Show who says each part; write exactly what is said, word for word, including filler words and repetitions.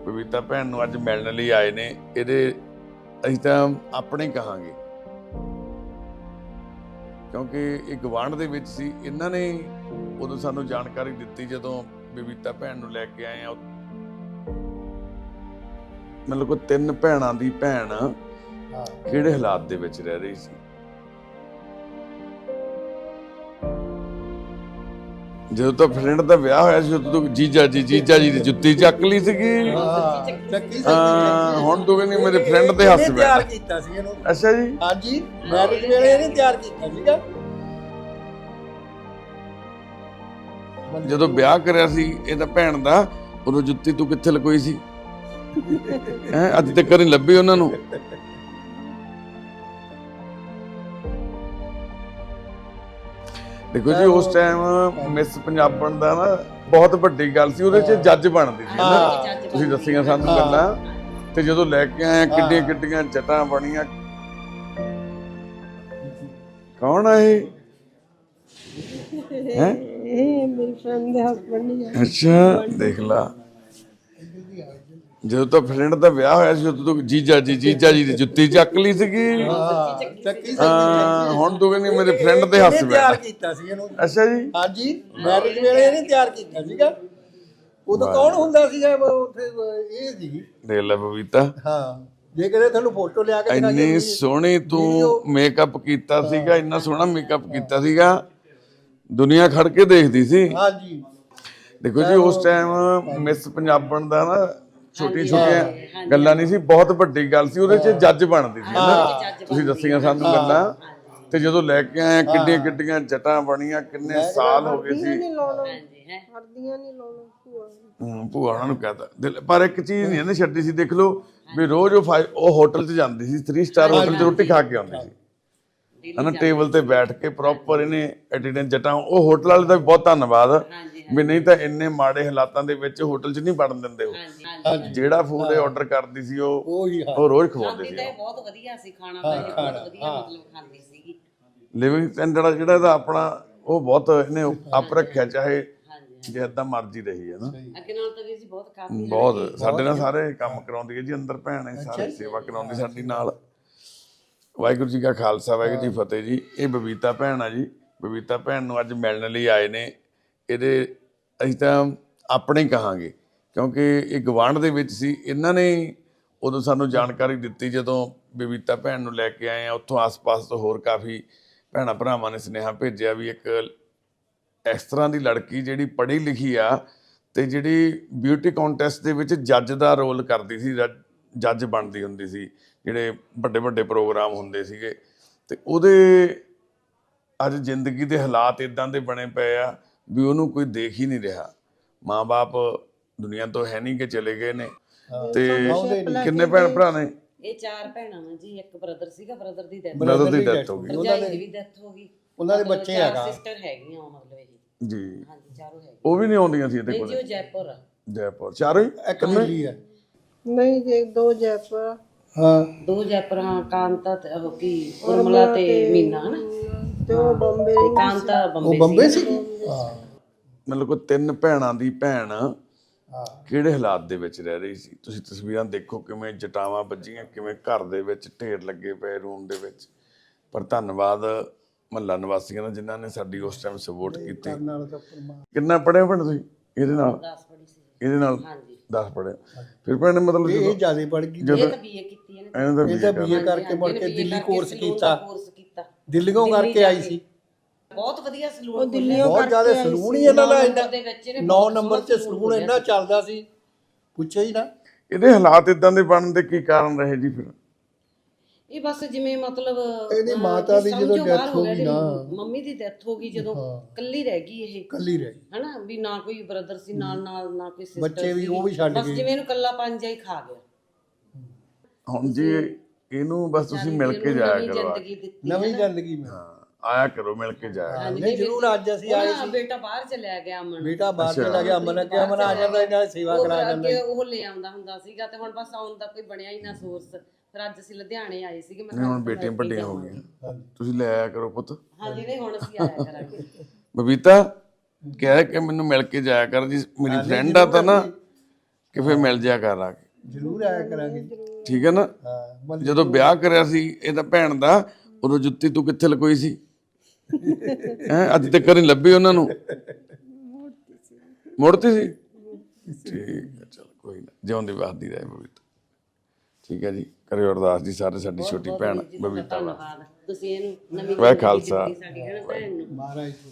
Speaker 1: ਬਬੀਤਾ ਭੈਣ ਨੂੰ ਅੱਜ ਮਿਲਣ ਲਈ ਆਏ ਨੇ। ਇਹਦੇ ਅਸੀਂ ਤਾਂ ਆਪਣੇ ਕਹਾਂਗੇ ਕਿਉਂਕਿ ਇਹ ਗਵਾਂਢ ਦੇ ਵਿੱਚ ਸੀ। ਇਹਨਾਂ ਨੇ ਉਦੋਂ ਸਾਨੂੰ ਜਾਣਕਾਰੀ ਦਿੱਤੀ ਜਦੋਂ ਬਬੀਤਾ ਭੈਣ ਨੂੰ ਲੈ ਕੇ ਆਏ ਆ। ਮਤਲਬ ਕੋਈ ਤਿੰਨ ਭੈਣਾਂ ਦੀ ਭੈਣ ਕਿਹੜੇ ਹਾਲਾਤ ਦੇ ਵਿੱਚ ਰਹਿ ਰਹੀ ਸੀ। ਜਦੋਂ ਤਾਂ ਫਰੈਂਡ ਦਾ ਵਿਆਹ ਹੋਇਆ ਸੀ ਉਦੋਂ ਜੀਜਾ ਜੀ ਜੀਜਾ ਜੀ ਦੀ ਜੁੱਤੀ ਚੱਕ ਲਈ ਸੀਗੀ। ਹਾਂ ਹੁਣ ਤੂੰ ਕਹਿੰਦੀ ਮੇਰੇ ਫਰੈਂਡ ਦੇ ਹੱਥ ਵਿੱਚ
Speaker 2: ਤਿਆਰ ਕੀਤਾ ਸੀ ਇਹਨੂੰ।
Speaker 1: ਅੱਛਾ ਜੀ,
Speaker 2: ਹਾਂਜੀ ਮੈਰਿਜ ਵੇਲੇ ਇਹਨੇ ਤਿਆਰ ਕੀਤਾ ਸੀਗਾ।
Speaker 1: ਜਦੋਂ ਵਿਆਹ ਕਰਿਆ ਸੀ ਇਹਦਾ ਭੈਣ ਦਾ ਉਦੋਂ ਜੁੱਤੀ ਤੂੰ ਕਿੱਥੇ ਲਕੋਈ ਸੀ ਹੈ? ਅੱਜ ਤੱਕ ਨਹੀਂ ਲੱਭੀ ਉਹਨਾਂ ਨੂੰ। ਦੇਖੋ ਜੀ ਉਸ ਟਾਈਮ ਮਿਸ ਪੰਜਾਬਣ ਦਾ ਨਾ ਬਹੁਤ ਵੱਡੀ ਗੱਲ ਸੀ, ਉਹਦੇ 'ਚ ਜੱਜ ਬਣਦੀ ਸੀ ਨਾ। ਤੁਸੀਂ ਦੱਸੀਆਂ ਸਾਨੂੰ ਗੱਲਾਂ, ਤੇ ਜਦੋਂ ਲੈ ਕੇ ਆਏ ਕਿੱਡੀਆਂ ਕਿੱਡੀਆਂ ਜਟਾਂ ਬਣੀਆਂ। ਕੌਣ ਆ ਇਹ? ਹੈ
Speaker 3: ਇਹ ਮੇਰੀ ਫਰੈਂਡ ਦੇ ਹਸਬੰਡ ਹੀ ਆ।
Speaker 1: ਅੱਛਾ ਦੇਖ ਲਾ, ਜਦੋਂ ਤਾਂ ਫਰੈਂਡ ਦਾ ਵਿਆਹ ਹੋਇਆ ਸੀ ਉਦੋਂ ਤੂੰ ਜੀਜਾ ਜੀ ਜੀਜਾ ਜੀ ਦੀ ਜੁੱਤੀ ਚੱਕ ਲਈ ਸੀਗੀ।
Speaker 2: ਚੱਕੀ
Speaker 1: ਹਾਂ ਹੁਣ ਤੂੰ ਕਹਿੰਦੀ ਮੇਰੇ ਫਰੈਂਡ ਦੇ ਹੱਥ
Speaker 2: ਇਹਨੇ
Speaker 1: ਵਿੱਚ।
Speaker 2: ਤਿਆਰ ਕੀਤਾ ਸੀ ਇਹਨੂੰ।
Speaker 1: ਅੱਛਾ ਜੀ,
Speaker 2: ਹਾਂਜੀ ਮੈਰਿਜ ਵੇਲੇ ਇਹਨੇ ਤਿਆਰ ਕੀਤਾ ਸੀਗਾ। ਉਦੋਂ ਕੌਣ ਹੁੰਦਾ ਸੀਗਾ ਉੱਥੇ? ਇਹ ਸੀ।
Speaker 1: ਦੇਖ ਲੈ ਬਬੀਤਾ,
Speaker 2: ਹਾਂ ਜੇ ਕਦੇ ਤੁਹਾਨੂੰ ਫੋਟੋ ਲਿਆ ਕੇ
Speaker 1: ਇੰਨੀ ਸੋਹਣੀ ਤੂੰ ਮੇਕਅਪ ਕੀਤਾ ਸੀਗਾ, ਇੰਨਾ ਸੋਹਣਾ ਮੇਕਅਪ ਕੀਤਾ ਸੀਗਾ, ਦੁਨੀਆ ਖੜ ਕੇ ਦੇਖਦੀ ਸੀ।
Speaker 2: ਹਾਂਜੀ
Speaker 1: ਦੇਖੋ ਜੀ ਉਸ ਟਾਈਮ ਮਿਸ ਪੰਜਾਬਣ ਦਾ ਨਾ ਛੋਟੀਆਂ ਛੋਟੀਆਂ ਗੱਲਾਂ ਨਹੀਂ ਸੀ, ਬਹੁਤ ਵੱਡੀ ਗੱਲ ਸੀ। ਉਹਦੇ 'ਚ ਜੱਜ ਬਣਦੀ ਸੀ ਨਾ। ਤੁਸੀਂ ਦੱਸੀਆਂ ਸਾਨੂੰ ਗੱਲਾਂ, ਤੇ ਜਦੋਂ ਲੈ ਕੇ ਆਏ ਕਿੱਡੀਆਂ ਕਿੱਡੀਆਂ ਜਟਾਂ ਬਣੀਆਂ, ਕਿੰਨੇ ਸਾਲ ਹੋ ਗਏ ਸੀ।
Speaker 3: ਨਹੀਂ ਲਾਉਣਾ ਹਰਦੀਆਂ ਨਹੀਂ ਲਾਉਣਾ ਭੂਆ
Speaker 1: ਹੂੰ ਭੂਆ ਉਹਨਾਂ ਨੂੰ ਕਹਤਾ। ਪਰ ਇੱਕ ਚੀਜ਼ ਨਹੀਂ ਇਹਨੇ ਛੱਡੀ ਸੀ। ਦੇਖ ਲਓ ਵੀ ਰੋਜ਼ ਉਹ ਫਾਈਵ ਉਹ ਹੋਟਲ 'ਚ ਜਾਂਦੀ ਸੀ, ਥ੍ਰੀ ਸਟਾਰ ਹੋਟਲ 'ਚ ਰੋਟੀ ਖਾ ਕੇ ਆਉਂਦੀ ਸੀ ਹਨਾ, ਟੇਬਲ ਤੇ ਬੈਠ ਕੇ ਪ੍ਰੋਪਰ। ਇਹਨੇ ਐਟੀਟਿਊਡ ਜਟਾਂ, ਉਹ ਹੋਟਲ ਵਾਲੇ ਦਾ ਵੀ ਬਹੁਤ ਧੰਨਵਾਦ ਵੀ, ਨਹੀਂ ਤਾਂ ਇੰਨੇ ਮਾੜੇ ਹਾਲਾਤਾਂ ਦੇ ਵਿੱਚ ਹੋਟਲ 'ਚ ਨਹੀਂ ਵੜਨ ਦਿੰਦੇ। ਉਹ ਜਿਹੜਾ ਫੂਡ ਇਹ ਆਰਡਰ ਕਰਦੀ ਸੀ ਉਹ ਉਹ ਰੋਜ਼ ਖਵਾਉਂਦੇ ਸੀ।
Speaker 4: ਬਹੁਤ ਵਧੀਆ ਸੀ ਖਾਣਾ, ਤਾਂ ਬਹੁਤ ਵਧੀਆ ਮਤਲਬ ਖਾਂਦੀ ਸੀਗੀ।
Speaker 1: ਲਿਵਿੰਗ ਸਟੈਂਡਰਡ ਜਿਹੜਾ ਇਹਦਾ ਆਪਣਾ ਉਹ ਬਹੁਤ ਇਹਨੇ ਅਪ ਰੱਖਿਆ, ਚਾਹੇ ਜਿੱਦਾਂ ਮਰਜ਼ੀ ਰਹੀ ਹੈ ਨਾ।
Speaker 4: ਅੱਗੇ ਨਾਲ ਤਾਂ ਵੀ ਜੀ ਬਹੁਤ ਕਾਫੀ
Speaker 1: ਬਹੁਤ ਸਾਡੇ ਨਾਲ ਸਾਰੇ ਕੰਮ ਕਰਾਉਂਦੀ ਹੈ ਜੀ, ਅੰਦਰ ਭੈਣ ਹੈ, ਸਾਰੇ ਸੇਵਾ ਕਰਾਉਂਦੀ ਸਾਡੀ ਨਾਲ। ਵਾਹਿਗੁਰੂ ਜੀ ਕਾ ਖਾਲਸਾ, ਵਾਹਿਗੁਰੂ ਜੀ ਫਤਿਹ ਜੀ। ਇਹ ਬਬੀਤਾ ਭੈਣ ਆ ਜੀ। ਬਬੀਤਾ ਭੈਣ ਨੂੰ ਅੱਜ ਮਿਲਣ ਲਈ ਆਏ ਨੇ। ਇਹਦੇ ਅਸੀਂ ਤਾਂ ਆਪਣੇ ਕਹਾਂਗੇ ਕਿਉਂਕਿ ਇਹ ਗਵਾਂਢ ਦੇ ਵਿੱਚ ਸੀ। ਇਹਨਾਂ ਨੇ ਉਦੋਂ ਸਾਨੂੰ ਜਾਣਕਾਰੀ ਦਿੱਤੀ ਜਦੋਂ ਬਬੀਤਾ ਭੈਣ ਨੂੰ ਲੈ ਕੇ ਆਏ ਆ। ਉੱਥੋਂ ਆਸ-ਪਾਸ ਤੋਂ ਹੋਰ ਕਾਫੀ ਭੈਣਾਂ ਭਰਾਵਾਂ ਨੇ ਸੁਨੇਹਾ ਭੇਜਿਆ ਵੀ ਇੱਕ ਇਸ ਤਰ੍ਹਾਂ ਦੀ ਲੜਕੀ ਜਿਹੜੀ ਪੜ੍ਹੀ ਲਿਖੀ ਆ ਤੇ ਜਿਹੜੀ ਬਿਊਟੀ ਕੰਟੈਸਟ ਦੇ ਵਿੱਚ ਜੱਜ ਦਾ ਰੋਲ ਕਰਦੀ ਸੀ, ਜੱਜ ਬਣਦੀ ਹੁੰਦੀ ਸੀ, ਜਿਹੜੇ ਵੱਡੇ ਵੱਡੇ ਪ੍ਰੋਗਰਾਮ ਹੁੰਦੇ ਸੀਗੇ, ਤੇ ਉਹਦੇ ਅੱਜ ਜ਼ਿੰਦਗੀ ਦੇ ਹਾਲਾਤ ਇਦਾਂ ਦੇ ਬਣੇ ਪਏ ਆ ਵੀ ਉਹਨੂੰ ਕੋਈ ਦੇਖ ਹੀ ਨਹੀਂ ਰਿਹਾ। ਮਾਂ-ਬਾਪ ਦੁਨੀਆ ਤੋਂ ਹੈ ਨਹੀਂ ਕਿ ਚਲੇ ਗਏ ਨੇ। ਤੇ ਕਿੰਨੇ ਭੈਣ ਭਰਾ ਨੇ?
Speaker 4: ਇਹ ਚਾਰ ਭੈਣਾਂ ਨੇ ਜੀ। ਇੱਕ ਬ੍ਰਦਰ ਸੀਗਾ, ਬ੍ਰਦਰ ਦੀ ਡੈਥ
Speaker 1: ਬ੍ਰਦਰ ਦੀ ਡੈਥ ਹੋ ਗਈ,
Speaker 4: ਭਰਜਾਈ ਦੀ ਵੀ ਡੈਥ ਹੋ ਗਈ।
Speaker 2: ਉਹਨਾਂ ਦੇ ਬੱਚੇ ਹੈਗਾ
Speaker 4: ਸਿਸਟਰ ਹੈਗੀਆਂ ਮਤਲਬ ਇਹ
Speaker 1: ਜੀ।
Speaker 4: ਹਾਂਜੀ ਚਾਰੋਂ ਹੈਗੇ।
Speaker 1: ਉਹ ਵੀ ਨਹੀਂ ਆਉਂਦੀਆਂ ਸੀ ਇਹਦੇ
Speaker 4: ਜੀ
Speaker 1: ਕੋਲ?
Speaker 4: ਉਹ ਜੈਪੁਰ ਆ।
Speaker 1: ਜੈਪੁਰ ਚਾਰੋਂ ਹੀ?
Speaker 2: ਇੱਕ ਦਿੱਲੀ ਹੈ।
Speaker 3: ਨਹੀਂ ਜੇ ਦੋ ਜੈਪੁਰ
Speaker 2: ਹਾਂ
Speaker 4: ਦੋ ਜੈਪੁਰ, ਹਾਂ ਕਾਂਤਾ ਤੇ ਉਹ ਕੀ ਉਰਮਲਾ ਤੇ ਮੀਨਾ ਹਨਾ,
Speaker 3: ਤੇ ਉਹ ਬੰਬੇ
Speaker 4: ਕਾਂਤਾ
Speaker 2: ਉਹ
Speaker 4: ਬੰਬੇ
Speaker 2: ਬੰਬੇ ਸੀ। ਹਾਂ
Speaker 1: ਮਤਲਬ ਕੋਈ ਤਿੰਨ ਭੈਣਾਂ ਦੀ ਭੈਣ ਕਿਹੜੇ ਹਾਲਾਤ ਦੇ ਵਿੱਚ ਰਹਿ ਰਹੀ ਸੀ। ਤੁਸੀਂ ਤਸਵੀਰਾਂ ਦੇਖੋ ਕਿਵੇਂ ਜਟਾਵਾਂ ਵੱਜੀਆਂ, ਕਿਵੇਂ ਘਰ ਦੇ ਵਿੱਚ ਢੇਰ ਲੱਗੇ ਪਏ ਰੂਮ ਦੇ ਵਿੱਚ। ਪਰ ਧੰਨਵਾਦ ਮਹੱਲਾ ਨਿਵਾਸੀਆਂ ਦਾ ਜਿਨ੍ਹਾਂ ਨੇ ਸਾਡੀ ਉਸ ਟਾਈਮ ਸਪੋਰਟ ਕੀਤੀ। ਕਿੰਨਾ ਪੜ੍ਹੇ ਭੈਣ ਤੁਸੀਂ ਇਹਦੇ ਨਾਲ?
Speaker 4: ਦਸ ਪੜੀ ਸੀ
Speaker 1: ਇਹਦੇ ਨਾਲ
Speaker 4: ਹਾਂਜੀ
Speaker 1: ਦਸ ਪੜ੍ਹੇ। ਫਿਰ ਭੈਣ ਨੇ ਮਤਲਬ
Speaker 2: ਇਹ ਜਿਆਦਾ ਪੜ ਗਈ।
Speaker 1: ਜਦੋਂ
Speaker 4: ਇਹ ਤਾਂ ਬੀਏ ਕੀਤੀ ਇਹਨੇ।
Speaker 1: ਇਹਨਾਂ ਦਾ
Speaker 2: ਇਹਦਾ
Speaker 1: ਵੀ
Speaker 2: ਬੀਏ ਕਰਕੇ ਮੁੜ ਕੇ ਦਿੱਲੀ ਕੋਰਸ ਕੀਤਾ।
Speaker 4: ਕੋਰਸ ਕੀਤਾ
Speaker 2: ਦਿੱਲੀੋਂ ਕਰਕੇ ਆਈ ਸੀ।
Speaker 4: ਬਹੁਤ ਵਧੀਆ ਸਲੂਨ
Speaker 3: ਦਿੱਲੀੋਂ
Speaker 2: ਬਹੁਤ ਜ਼ਿਆਦਾ ਸਲੂਨ ਹੀ ਇਹਨਾਂ ਦਾ
Speaker 4: ਦੇ ਵਿੱਚ ਇਹਨੇ
Speaker 2: ਨੌ ਨੰਬਰ 'ਚ ਸਲੂਨ ਇੰਨਾ ਚੱਲਦਾ ਸੀ, ਪੁੱਛਿਆ ਹੀ ਨਾ।
Speaker 1: ਇਹਦੇ ਹਾਲਾਤ ਇਦਾਂ ਦੇ ਬਣਨ ਦੇ ਕੀ ਕਾਰਨ ਰਹੇ ਜੀ? ਫਿਰ
Speaker 4: ਇਹ ਬਸ ਜਿਵੇਂ ਮਤਲਬ
Speaker 2: ਇਹਦੀ ਮਾਤਾ ਦੀ ਜਦੋਂ ਡੈਥ ਹੋ ਗਈ ਨਾ,
Speaker 4: ਮੰਮੀ ਦੀ ਡੈਥ ਹੋ ਗਈ ਜਦੋਂ ਕੱਲੀ ਰਹਿ ਗਈ ਇਹ,
Speaker 2: ਕੱਲੀ ਰਹਿ ਗਈ
Speaker 4: ਹਨਾ ਵੀ ਨਾ ਕੋਈ ਬ੍ਰਦਰ ਸੀ ਨਾਲ ਨਾਲ, ਨਾ ਕੋਈ ਸਿਸਟਰ,
Speaker 2: ਬੱਚੇ ਵੀ ਉਹ ਵੀ ਛੱਡ
Speaker 4: ਬਸ
Speaker 2: ਗਏ।
Speaker 4: ਜਿਵੇਂ ਇਹਨੂੰ ਕੱਲਾ ਪੰਜਾ ਹੀ ਖਾ ਗਿਆ।
Speaker 1: ਹੁਣ ਜੀ ਇਹਨੂੰ ਬਸ ਤੁਸੀਂ ਮਿਲ ਕੇ ਜਾਇਆ ਕਰੋ,
Speaker 4: ਜ਼ਿੰਦਗੀ ਦਿੱਤੀ
Speaker 2: ਨਵੀਂ ਜ਼ਿੰਦਗੀ ਮੈਂ
Speaker 1: ਆਇਆ ਕਰੋ, ਮਿਲ ਕੇ ਜਾਇਆ।
Speaker 2: ਨਹੀਂ ਜ਼ਰੂਰ ਅੱਜ ਅਸੀਂ ਆਏ ਸੀ।
Speaker 4: ਬੇਟਾ ਬਾਹਰ ਚਲਿਆ ਗਿਆ ਅਮਨ,
Speaker 2: ਬੇਟਾ ਬਾਹਰ ਚਲਾ ਗਿਆ, ਅਮਨ ਅੱਗੇ ਅਮਨ ਆ ਜਾਂਦਾ, ਇਹਨਾਂ ਦੀ ਸੇਵਾ ਕਰਾ ਜਾਂਦਾ।
Speaker 4: ਅੱਗੇ ਉਹ ਲੈ ਆਉਂਦਾ ਹੁੰਦਾ ਸੀਗਾ ਤੇ ਹੁਣ ਬਸ ਆਉਣ ਦਾ ਕੋਈ ਬਣਿਆ ਹੀ ਨਾ ਸੋਰਸ। ਫਿਰ ਅੱਜ ਅਸੀਂ ਲੁਧਿਆਣੇ ਆਏ ਸੀਗੇ। ਮੈਂ
Speaker 1: ਹੁਣ ਬੇਟੀਆਂ ਵੱਡੀਆਂ ਹੋ ਗਈਆਂ, ਤੁਸੀਂ ਲੈ ਆਇਆ ਕਰੋ ਪੁੱਤ।
Speaker 4: ਹਾਂਜੀ ਨਹੀਂ ਹੁਣ ਅਸੀਂ ਆਇਆ ਕਰਾਂਗੇ।
Speaker 1: ਬਬੀਤਾ ਕਹਿ ਕੇ ਮੈਨੂੰ ਮਿਲ ਕੇ ਜਾਇਆ ਕਰ ਜੀ, ਮੇਰੀ ਫਰੈਂਡ ਆ ਤਾਂ ਨਾ ਕਿ ਫਿਰ ਮਿਲ ਜਿਆ ਕਰ ਆ ਕੇ,
Speaker 2: ਜ਼ਰੂਰ ਆਇਆ ਕਰਾਂਗੇ ਜੀ।
Speaker 1: ਠੀਕ ਹੈ ਨਾ।
Speaker 2: ਹਾਂ ਮਤਲਬ
Speaker 1: ਜਦੋਂ ਵਿਆਹ ਕਰਿਆ ਸੀ ਇਹਦਾ ਭੈਣ ਦਾ, ਉਦੋਂ ਜੁੱਤੀ ਤੂੰ ਕਿੱਥੇ ਲਕੋਈ ਸੀ ਹੈ? ਅੱਜ ਤੱਕ ਨਹੀਂ ਲੱਭੀ ਉਹਨਾਂ ਨੂੰ, ਮੁੜਤੀ ਸੀ। ਠੀਕ ਹੈ, ਚਲ ਕੋਈ ਨਾ, ਜਿਉਂਦੀ ਵਸਦੀ ਰਹੇ ਬਬੀਤਾ। ਠੀਕ ਹੈ ਜੀ, ਕਰਿਓ ਅਰਦਾਸ ਜੀ ਸਾਰੇ, ਸਾਡੀ ਛੋਟੀ ਭੈਣ ਬਬੀਤਾ ਵਾ।
Speaker 4: ਧੰਨਵਾਦ ਤੁਸੀਂ ਇਹਨੂੰ ਨਵੀਂ
Speaker 1: ਵਾਹਿ ਖਾਲਸਾ।
Speaker 4: ਸਾਡੀ ਹੈ ਨਾ ਭੈਣ ਨੂੰ
Speaker 2: ਮਹਾਰਾਜ